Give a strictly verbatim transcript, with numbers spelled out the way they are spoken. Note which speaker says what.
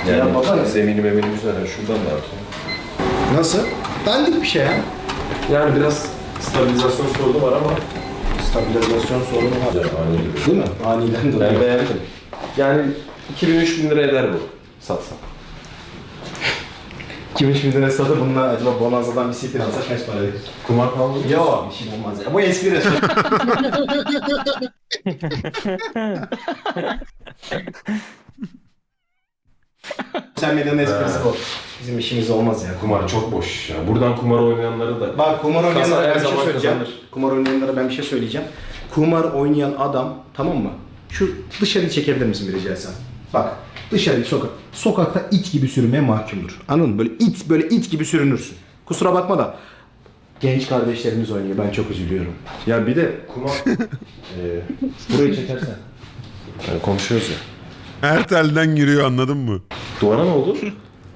Speaker 1: Yani
Speaker 2: Ya baba,
Speaker 1: zemini memini güzel. Yani şuradan da atayım.
Speaker 2: nasıl? Dandik bir şey ya.
Speaker 1: Yani biraz stabilizasyon sorunu var ama
Speaker 2: Stabilizasyon sorunu var.
Speaker 1: güzel, ani duruyor.
Speaker 2: Değil mi? Aniden dolayı.
Speaker 1: Ben beğendim. Yani iki bin üç bin lira eder bu satsam.
Speaker 2: Kim üç bin lira satıp bununla acaba Bonanza'dan bir siktir alsak kaç para verir?
Speaker 1: Kumar falan mı?
Speaker 2: Yok, bir şey olmaz ya. Bu espri. Sosyal medyanın esprisi bu. Bizim işimiz olmaz ya.
Speaker 1: Kumar çok boş ya. Buradan kumar oynayanları da...
Speaker 2: Bak kumar oynayanlara
Speaker 1: Kasa her
Speaker 2: ben bir şey
Speaker 1: zaman
Speaker 2: söyleyeceğim.
Speaker 1: kazanır.
Speaker 2: Kumar oynayanlara ben bir şey söyleyeceğim. Kumar oynayan adam, tamam mı? Şu dışarıyı çekebilir misin bir rica etsem? Bak dışarı sokak. Sokakta it gibi sürünmeye mahkumdur. Anladın mı? Böyle it böyle it gibi sürünürsün. Kusura bakma da genç kardeşlerimiz oynuyor. Ben çok üzülüyorum.
Speaker 1: Ya bir de kumar... ee, burayı çekersen. Yani konuşuyoruz ya.
Speaker 3: Her telden giriyor, anladın mı?
Speaker 1: Duvara ne oldu?